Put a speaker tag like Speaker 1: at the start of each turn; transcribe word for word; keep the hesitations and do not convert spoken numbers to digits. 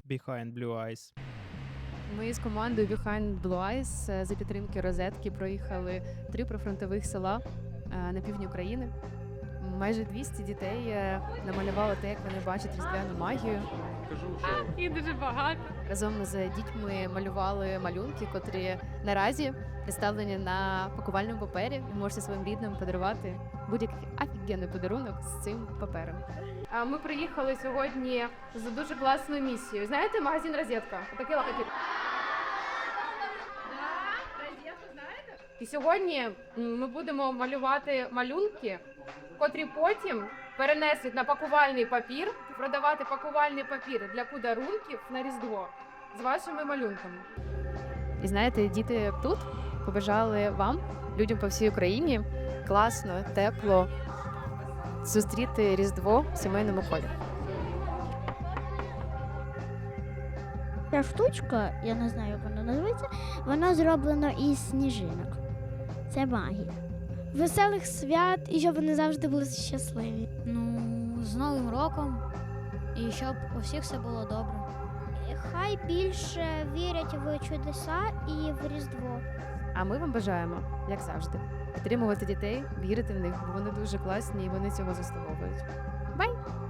Speaker 1: Behind Blue Eyes.
Speaker 2: Ми з командою Behind Blue Eyes е, за підтримки розетки проїхали три прифронтових села е, на півдні України. Майже двісті дітей е, намалювали те, як вони бачать різдвяну магію.
Speaker 3: І дуже багато.
Speaker 2: Разом з дітьми малювали малюнки, котрі наразі представлені на пакувальному папері. Ви можете своїм рідним подарувати будь-який офігенний подарунок з цим папером.
Speaker 3: А ми приїхали сьогодні з дуже класною місією. Знаєте, магазин «Розетка»? Такий логотип. «Розетку» знаєте? І сьогодні м, ми будемо малювати малюнки, котрі потім перенесуть на пакувальний папір, продавати пакувальний папір для подарунків на Різдво з вашими малюнками.
Speaker 2: І знаєте, діти тут побажали вам, людям по всій Україні, класно, тепло зустріти Різдво в сімейному колі.
Speaker 4: Ця штучка, я не знаю, як вона називається, вона зроблена із сніжинок. Це магія. Веселих свят і щоб вони завжди були щасливі.
Speaker 5: Ну, з Новим роком. І щоб у всіх все було добре.
Speaker 4: Хай більше вірять в чудеса і в Різдво.
Speaker 2: А ми вам бажаємо, як завжди, підтримувати дітей, вірити в них, бо вони дуже класні і вони цього заслуговують. Бай!